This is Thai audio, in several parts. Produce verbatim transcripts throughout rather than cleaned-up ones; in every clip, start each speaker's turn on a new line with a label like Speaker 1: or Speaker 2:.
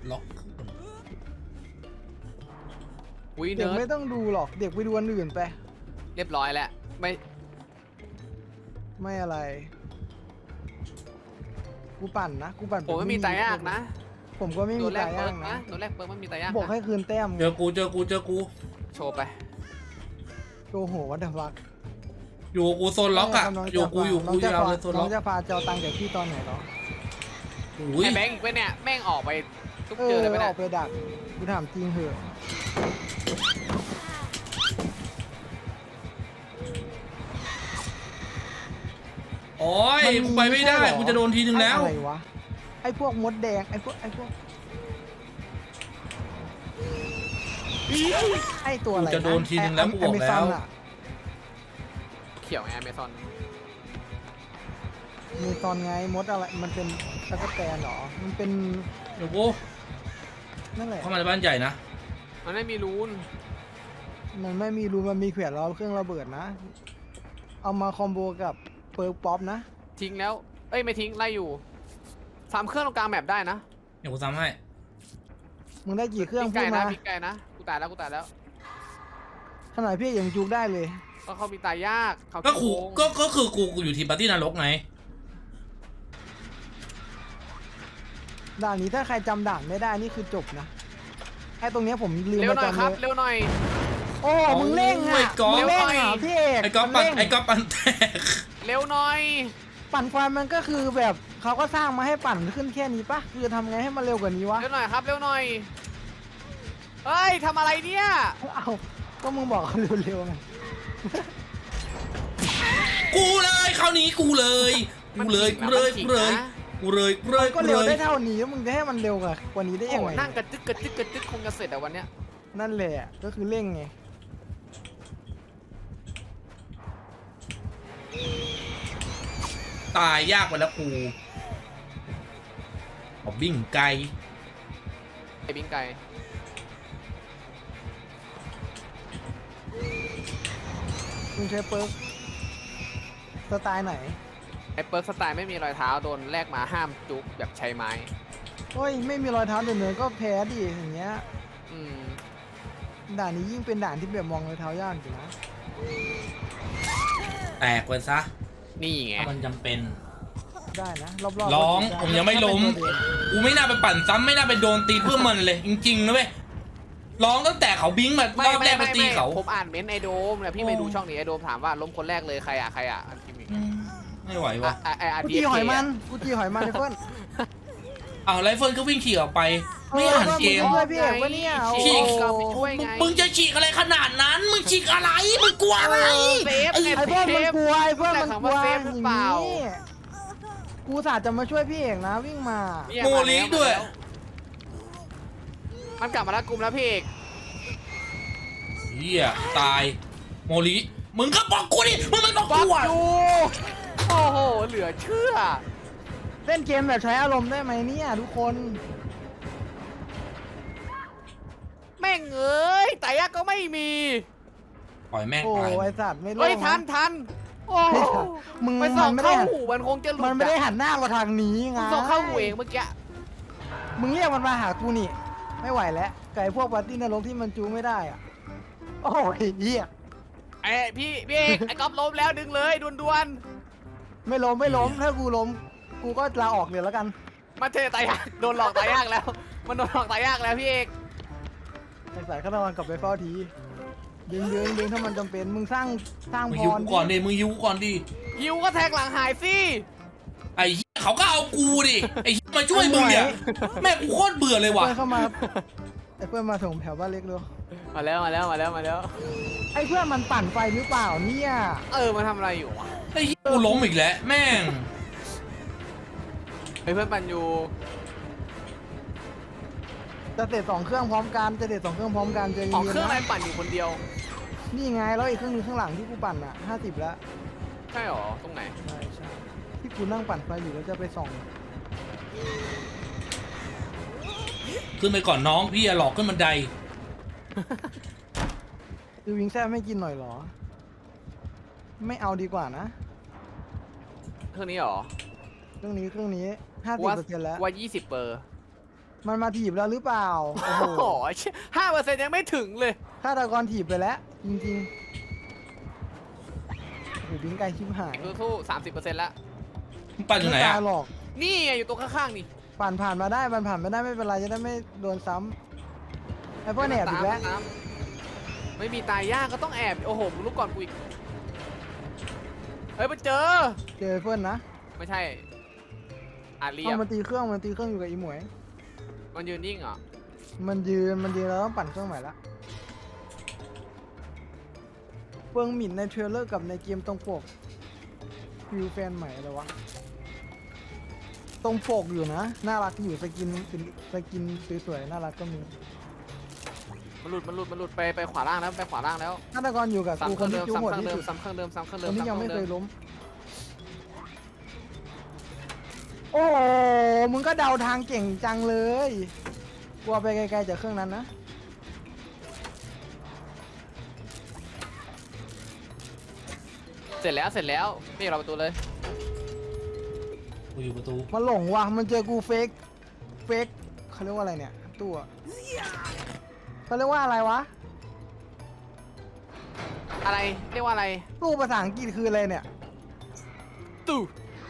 Speaker 1: ล็อก
Speaker 2: เด็กไม่ต้องดูหรอกเด็กไปดูอันอื่นไป
Speaker 3: เรียบร้อยแล้วไม่
Speaker 2: ไม่อะไรกูปั่นนะกูปั่น
Speaker 3: ผมไม่มีตายยากนะ
Speaker 2: ผมก็ไม่มีตายยากนะ
Speaker 3: ตัวแรกเปิร์ไม่มีตายยาก
Speaker 2: บอกให้คืนแต้ม
Speaker 1: เจอกูเจอกูเจอกู
Speaker 3: โชว์ไป
Speaker 2: โชว์โหวัดดับวัก
Speaker 1: อยู่กูโซนล็อกอะอยู่กูอยู่กูยาวเลยโซนล็อก
Speaker 2: น้องจะพาเจ้าตังจากพี่ตอนไหนหรอ
Speaker 1: ไอ้
Speaker 3: แบงค์อีกไปเนี่ยแม่งออกไปทุก
Speaker 2: เจ
Speaker 3: อเลย
Speaker 2: ไปออกไปดักกูถามจริงเหอะ
Speaker 1: โอ้ยกูไปไม่ได้กูจะโดนทีนึงแล้ว
Speaker 2: อะไรวะไอ้พวกมดแดงไอ้พวกไอ้พวกไอ้ตัวอะไร
Speaker 1: จะโดนทีนึงแล้วกูบอกแล้ว
Speaker 3: เขียวไงอเมซอน
Speaker 2: มีตอนไงมดอะไรมันเป็นตะกั่วแตนหรอมันเป็น
Speaker 1: เดี๋ยวกู
Speaker 2: นั่นแหละ
Speaker 1: เข้ามาในบ้านใหญ่นะ
Speaker 3: มันไม่มีรูน
Speaker 2: มันไม่มีรูมันมีเขื่อนล้อเครื่องระเบิดนะเอามาคอมโบกับเปิร์กป๊อปนะ
Speaker 3: ทิ้งแล้วเอ้ยไม่ทิ้งไล่อยู่สามเครื่องตรงกลางแมปได้นะ
Speaker 1: เดี๋ยวกูซ้ำให้
Speaker 2: มึงได้กี่เครื่อง
Speaker 3: พูดมาพี่ไก่นะกูตายแล้วกูตายแล้ว
Speaker 2: ขนาดพี่ยังจูกได้เลย
Speaker 3: ก็เขามีตายยากเขา
Speaker 1: ก็ขู่ก็ก็คือกูกูอยู่ทีมปาร์ตี้นรกไง
Speaker 2: ด่านนี้ถ้าใครจำด่านไม่ได้นี่คือจบนะไอ้ตรงนี้ผมลืม
Speaker 3: มาจำเลย
Speaker 2: เร็วหน่อย
Speaker 3: โอ้
Speaker 2: มึงเร่งอ่ะมึงเร่งอ่ะพี่เอก
Speaker 1: ไอ้ก๊อฟปั่นไอ้ก๊อฟปั่นแตก
Speaker 3: เร็วหน่อย
Speaker 2: ปั่นไฟมันก็คือแบบเขาก็สร้างมาให้ปั่นขึ้นแค่นี้ปะคือทำไงให้มันเร็วกว่านี้วะ
Speaker 3: เร็วหน่อยครับเร็วหน่อยเฮ้ยทำอะไรเนี่ย
Speaker 2: เอาก็มึงบอกเร็วๆไง
Speaker 1: กูเลยคราวนี้กูเลยกูเลยกูเลยกูเลยกูเลยกูเลย
Speaker 2: ก็เร็วได้เท่านี้มึงจะให้มันเร็วกว่านี้ได้ยังไง
Speaker 3: นั่งกระจึกกระจึกกระจึกคงจะเสร็จแต่วันเนี้ย
Speaker 2: นั่นแหละก็คือเร่งไง
Speaker 1: ตายยากไปแล้วกูเอาบิ้งไกล
Speaker 3: ไอ้บิ้งไกล
Speaker 2: มึงใช้เปิร์กสไตล์ไหน
Speaker 3: ไอ้เปิร์กสไตล์ไม่มีรอยเท้าโดนแลกมาห้ามจุกแบบใช้ไม้
Speaker 2: โอ้ยไม่มีรอยเท้าเดินเนินก็แพ้ดิอย่างเงี้ย
Speaker 3: อืม
Speaker 2: ด่านนี้ยิ่งเป็นด่านที่แบบมองรอยเท้ายากอยู่นะ
Speaker 1: แตกไปซะ
Speaker 3: นี่ไง
Speaker 1: มันจำเป็น
Speaker 2: ได้นะรอบ
Speaker 1: ๆร้องผมยังไม่ล้มกูไม่น่าไปปั่นซ้ำไม่น่าไปโดนตีเพื่อมันเลยจริงๆนะเว้ยร้องตั้งแต่เขาบิ้งมารอบแรกมาตีเขา
Speaker 3: ผมอ่านเม้นไอโดมนะพี่ไปดูช่องนี้ไอโดมถามว่าล้มคนแรกเลยใครอ่ะใครอ่ะ
Speaker 1: ไม่ไหววะ
Speaker 2: กูจีหอยมันกูจีหอยมันไอเฟิร์น
Speaker 1: อ้าวไรเฟิร์นก็วิ่งขี่ออกไปไม่อ่านเกม
Speaker 3: ฉีก
Speaker 1: มึงจะฉีกอะไรขนาดนั้นมึงฉีกอะไรมึงกลัวอะไร
Speaker 2: ไอ้เฟิร์นมันกลัวไอ้เฟิร์นมันกลัวอย่างนี้กูสาจะมาช่วยพี่เอกนะวิ่งมา
Speaker 1: โมลิด้วย
Speaker 3: มันกลับมาแล้วกลุ่มแล้วพี่เอก
Speaker 1: เฮียตายโมลิมึงก็บอกกูดิมึงไม่บอกกูอ่ะ
Speaker 3: โอ้โหเหลือเชื่อ
Speaker 2: เล่นเกมแบบใช้อารมณ์ได้ไหมเนี่ยทุกคน
Speaker 3: แม่งเอ้ยแต่ยากก็ไม่มี
Speaker 1: ปล่อยแม่ง
Speaker 2: โอ้ไอสัตว์ไม่รู้เฮ้
Speaker 3: ยทันทันโอ้มึงไปส่องเข้าหูมันคงจะหลุด
Speaker 2: มันไม่ได้หันหน้ามาทางนี้ไง
Speaker 3: ส่องเข้าหูเองเมื่อกี้
Speaker 2: มึงเรียกมันมาหากูนี่ไม่ไหวแล้วไก่พวกปาร์ตี้นรกที่มันจูไม่ได้อ่ะโอ้ยเหี้ย
Speaker 3: ไอพี่พี่เอกไอ้ก๊อฟล้มแล้วดึงเลยด่วน
Speaker 2: ๆไม่ล้มไม่ล้มถ้ากูล้มกูก็ลาออกเลยแล้วกัน
Speaker 3: มาเทตายยากโดนหลอกตายยากแล้วมันโดนหลอกตายยากแล้วพี่เอก
Speaker 2: ไอ้สายข้าวมันกลับไปเฝ้าทีดึงดึงดึงถ้ามันจำเป็นมึงสร้างสร้างพร
Speaker 1: ก่อนดิมึงยิวก่อนดิ
Speaker 3: ยิวก็แทงหลังหายสิ
Speaker 1: ไอ้เขาก็เอากูดิไอ้มาช่วยมึงเนี่ยแม่กูโคตรเบื่อเลยว่ะ
Speaker 2: เข้ามาไอ้เพื่อนมาส่งแถวบ้านเล็กเลย
Speaker 3: มาแล้วมาแล้วมาแล้วมาแล้ว
Speaker 2: ไอ้เพื่อนมันปั่นไฟหรือเปล่าเนี่ย
Speaker 3: เออมาทำอะไรอยู่วะ
Speaker 1: ไอ้กูล้มอีกแล้วแม่ง
Speaker 3: ไอ้เพื่อนปั่นอยู่
Speaker 2: จะเตะสองเครื่องพร้อมกันจะเตะสองเครื่องพร้อมกันจะ
Speaker 3: สองเครื่องอะไรปั่นอยู่คนเดียว
Speaker 2: นี่ไงแล้วอีกเครื่องนึงข้างหลังที่กูปั่นอ่ะห้าสิบแล้ว
Speaker 3: ใช่หรอตรงไหน
Speaker 2: ใช่ใช่ที่กูนั่งปั่นไฟอยู่แล้วจะไปส่อง
Speaker 1: ขึ้นไปก่อนน้องพี่หลอกขึ้นบันได
Speaker 2: คือวิงแซ่ไม่กินหน่อยหรอไม่เอาดีกว่านะ
Speaker 3: เครื่องนี้หรอ
Speaker 2: เครื่องนี้เครื่องนี้ห้าสิบเปอร์เซ็นต์แล้ว
Speaker 3: ว่ายี่สิบเปอร์
Speaker 2: มันมาถีบแล้วหรือเปล่าโอ้
Speaker 3: โอ้
Speaker 2: โห
Speaker 3: โหห้าเปอร์เซ็นต์ยังไม่ถึงเลย
Speaker 2: ฆาตกรถีบไปแล้วจริงๆโอ้โหบิงไกลชิบหาย
Speaker 3: ดูทู่สามสิบเปอร์เซ็นต์แล้ว
Speaker 1: มึงปั่นอยู่ไหน
Speaker 2: ม่
Speaker 1: อะ
Speaker 2: ตายหรอก
Speaker 3: นี่ไงอยู่ตรงข้างๆนี่
Speaker 2: ผ่านผ่านมาได้มันผ่านไม่ได้ไม่เป็นไรจะได้ไม่โดนซ้ำไอ้พวกแหนบอีกแล้ว
Speaker 3: ตามไม่มีตายยากก็ต้องแอบโอ้โหมึงลุกก่อนกูอีกเฮ้ยมันเจอ
Speaker 2: เจอเพื่อนนะ
Speaker 3: ไม่ใช่อาเรีย
Speaker 2: เอา
Speaker 3: บ
Speaker 2: มันตีเครื่องมันตีเครื่องอยู่กับอีหมวย
Speaker 3: มันยืนนิ่งเหรอ
Speaker 2: มันยืนมันยืนแล้วต้องปั่นเครื่องใหม่ละเฟิงหมิ่นในเทรลเลอร์กับในเกมตรงปกฟิวแฟนใหม่เลยวะตรงปกอยู่นะน่ารักอยู่สกินสกินสวยๆน่ารักก็มี
Speaker 3: มันหลุดมันหลุดมันหลุดไปไปขวาล่างแล้วไปขวาล่างแล้ว
Speaker 2: ฆาตกรอยู่กับ
Speaker 3: ซ้ำ
Speaker 2: กู
Speaker 3: เค
Speaker 2: ค
Speaker 3: รื่อน ง
Speaker 2: ที่
Speaker 3: เดิม
Speaker 2: จู้โหด
Speaker 3: ซ้ำเครื่อง
Speaker 2: ที่
Speaker 3: เดิม
Speaker 2: สุด
Speaker 3: ซ้ำเครื่องเดิมซ้ำเครื่อง
Speaker 2: ค
Speaker 3: เดิม
Speaker 2: นที่ยังไม่
Speaker 3: ซ้ำ
Speaker 2: เค
Speaker 3: รื่
Speaker 2: ย
Speaker 3: องดิ
Speaker 2: ล้มโอ้โหมึงก็เดาทางเก่งจังเลยกลัวไปไกลๆจากเครื่องนั้นนะ
Speaker 3: เสร็จแล้วเสร็จแล้วไม่เราประตูเลย
Speaker 1: กูอยู่ประตู
Speaker 2: มันหลงว่ะมันเจอกูเฟกเฟกเขาเรียกว่าอะไรเนี่ยตัวเขาเรียกว่าอะไรวะ
Speaker 3: อะไรเรียกว่าอะไร
Speaker 2: ตู้ภาษาอังกฤษคืออะไรเนี่ย
Speaker 3: ตู้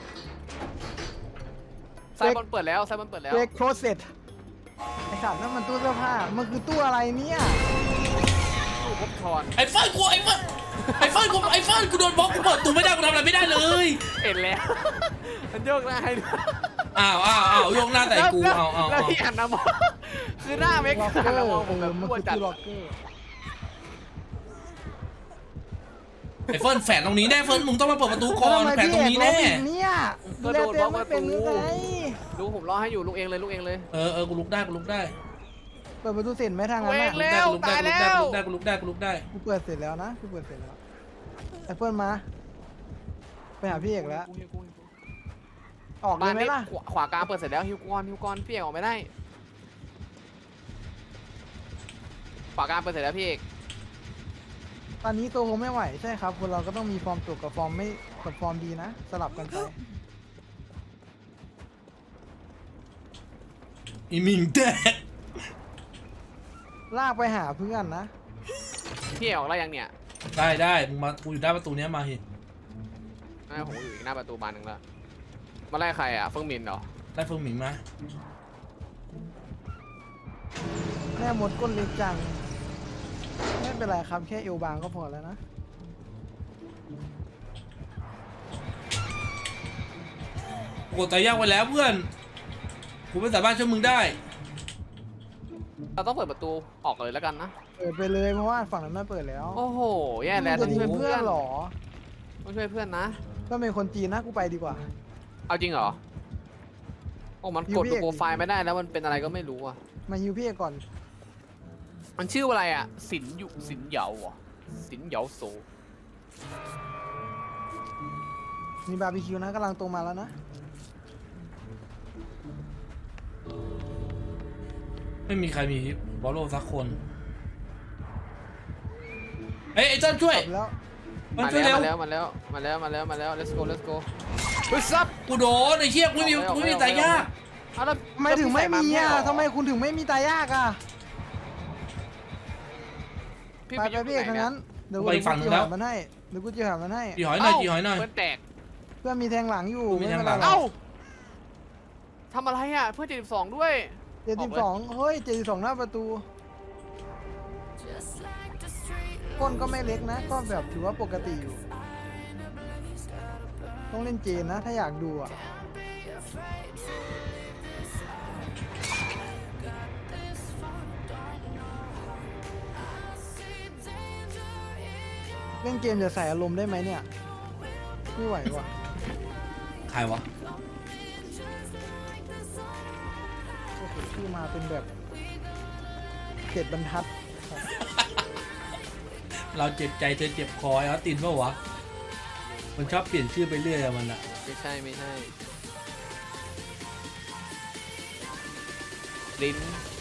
Speaker 3: ไซบอลเปิดแล้วไซบอลเปิดแล้ว
Speaker 2: เฟกโคเซตไอ้สัตว์นั่นมันตู้เสื้อผ้ามันคือตู้อะไรเนี่ย
Speaker 3: ตู้พบทอน
Speaker 1: ไอ้เฟิร์นกูไอ้เฟิร์นไอ้เฟิร์นกูไอ้เฟิร์นกูโดนบล็อกกูเปิดประตูไม่ได้กูทำอะไรไม่ได้เลย
Speaker 3: เห็นแล้ว มันโยกหน้าให้ด้วย
Speaker 1: อ้าวอ้าวอ้าวยกหน้าแต่กู
Speaker 3: แล้ว
Speaker 1: เอาเอา
Speaker 3: แล้ว
Speaker 1: เอา
Speaker 3: ที่หันมามองคือหน้าเมก
Speaker 2: ล็อกเก
Speaker 3: หั
Speaker 2: อน
Speaker 3: มา
Speaker 2: ร์
Speaker 3: มอง
Speaker 2: เอ
Speaker 3: ผมแบ
Speaker 2: อบ มัน
Speaker 3: กลัว
Speaker 2: คือ
Speaker 3: จัด
Speaker 2: ตู้ล็อกเกอร์
Speaker 1: ไอ้เฟิร์นแฝงตรงนี้แน่เฟิร์นมึงต้องมาเปิดประตูก่อน
Speaker 2: ล้วทำไม
Speaker 1: แฝงตรงนี้แน่
Speaker 2: พี่เอกล็อกอีกเนี่ยดูแลตัวเองไม่เป็นหรือไง
Speaker 3: ลูกผมรอให้อยู่ลูกเองเลยลูกเองเลย
Speaker 1: เออเออกูลุกได้กูลุกได้
Speaker 2: เปิดประตูเสร็จไหมทางนั้น
Speaker 3: เว้
Speaker 2: น่ะ
Speaker 3: งเลย
Speaker 1: กูลุกได้กูลุกได้กูลุกได้กูลุกได้กูลุกได้
Speaker 2: กูเปิดเสร็จแล้วนะกูเปิดเสร็จแล้วไอ้เฟิร์นมาไปหาพี่เอกแล้วออกเล
Speaker 3: บ้าย น
Speaker 2: ไหม
Speaker 3: นี้
Speaker 2: ล่ะ
Speaker 3: ขวาขวากลางเปิดเสร็จแล้วฮิวกอนฮิวกอนพี่เอกออกไม่ได้ขวากลางเปิดเสร็จแล้วพี่เอก
Speaker 2: ตอนนี้ตัวคงไม่ไหวใช่ครับคนเราก็ต้องมีฟอร์มตกกับฟอร์มไม่กับฟอร์มดีนะสลับกันไป
Speaker 1: อีมิงแดด
Speaker 2: ลากไปหาเพื่อนนะ
Speaker 3: พี่เอกออกแล้วยังเนี่ย
Speaker 1: ได้ได้มึงมากูอยู่หน้าประตูเนี้ยมาเห็น
Speaker 3: ไอ้ผมอยู่อีกหน้าประตูบานหนึ่งแล้วมาไล่ใครอ่ะเฟิงมินเหรอ
Speaker 1: ได้เฟิร์นหมิงมา
Speaker 2: แม่มดก้นเล็กจังไม่เป็นไรครับแค่เอวบางก็พอแล้วนะ
Speaker 1: กดตายยากไว้แล้วเพื่อนกูไม่สามารถช่วยมึงได้
Speaker 3: เราต้องเปิดประตูออกเลยแล้วกันนะ
Speaker 2: เปิดไปเลยเพราะว่าฝั่งนั้นไม่เปิดแล้ว
Speaker 3: โอ้โหแย่แล้ว
Speaker 2: มึ
Speaker 3: ต้อง
Speaker 2: ง
Speaker 3: ช่
Speaker 2: จะ
Speaker 3: วย
Speaker 2: ทิ้ง
Speaker 3: เพื่
Speaker 2: เพื่
Speaker 3: อ
Speaker 2: อน นเหรอ
Speaker 3: ต้องช่วยเพื่อนนะ
Speaker 2: ก็เป็นคนจีนนะกูไปดีกว่า
Speaker 3: เอาจริงเหรอโอ้มันกด
Speaker 2: ยู
Speaker 3: ดู
Speaker 2: พี
Speaker 3: โปรไฟล์ไม่ได้แล้วมันเป็นอะไรก็ไม่รู้อ่ะ
Speaker 2: มาฮิวพี่เอกก่อน
Speaker 3: มันชื่ออะไรอ่ะสินอยู่สินเหยาเหรอ่ะสินเหยาโซ
Speaker 2: มีบาร์บีคิวนะกำลังตรงมาแล้วนะ
Speaker 1: ไม่มีใครมีบอลโลสักคนเฮ้ยไอ้เจ้าช่วย
Speaker 2: กลับแล้ว
Speaker 1: มัน
Speaker 3: มา
Speaker 1: ช่วย
Speaker 3: แล้
Speaker 1: เร็
Speaker 3: ว
Speaker 1: ว
Speaker 3: มาแล้วมาแล้วมาแล้วมาแล้วมาแล้ว let's go let's go เฮ้ยซับ
Speaker 1: กูโดนไอ้เชี่ยกูไม่มีกูไม่มีตายยาก
Speaker 3: เอาแล้ว
Speaker 2: ทำไมถึงไม่มีอ่ะ
Speaker 3: แล้ว
Speaker 2: ทำไมคุณถึงไม่มีตายากอ่ะ
Speaker 3: พี่
Speaker 2: ไป
Speaker 3: ใส่
Speaker 2: ไป
Speaker 3: มา
Speaker 2: พี่เอก
Speaker 3: ไหน
Speaker 2: ทั้ง
Speaker 3: เนี่ย
Speaker 2: นั้นเดี๋ยวกูจะจีหามันให้เดี๋ยวกูจะหามันให้
Speaker 1: จีหอยหน่อยจีหอยหน่อย
Speaker 3: เพื่อนแตก
Speaker 2: เพื่อนมีแทงหลังอยู่
Speaker 1: กูมีแทงหลัง
Speaker 2: ไม่เป็นไร
Speaker 3: เอ้าทำอะไรอ่ะเพื่อนเจ็ดสิบสองด้วย
Speaker 2: เจ็ดสิบสองเฮ้ยเจ็ดสิบสองหน้าประตูก้นก็ไม่เล็กนะ ก็แบบถือว่าปกติอยู่ ต้องเล่นเจนนะ ถ้าอยากดูอ่ะ เล่นเกมจะใส่อารมณ์ได้ไหมเนี่ย ไม่ไหวว่ะ
Speaker 1: ใครวะ
Speaker 2: โอ้โหชื่อมาเป็นแบบเจ็ดบรรทัด
Speaker 1: เราเจ็บใจเธอเจ็บคอไอ้ออสตินปะวะมันชอบเปลี่ยนชื่อไปเรื่อยอะมันอะ
Speaker 3: ไม่ใช่ไม่ใช่ลิ้น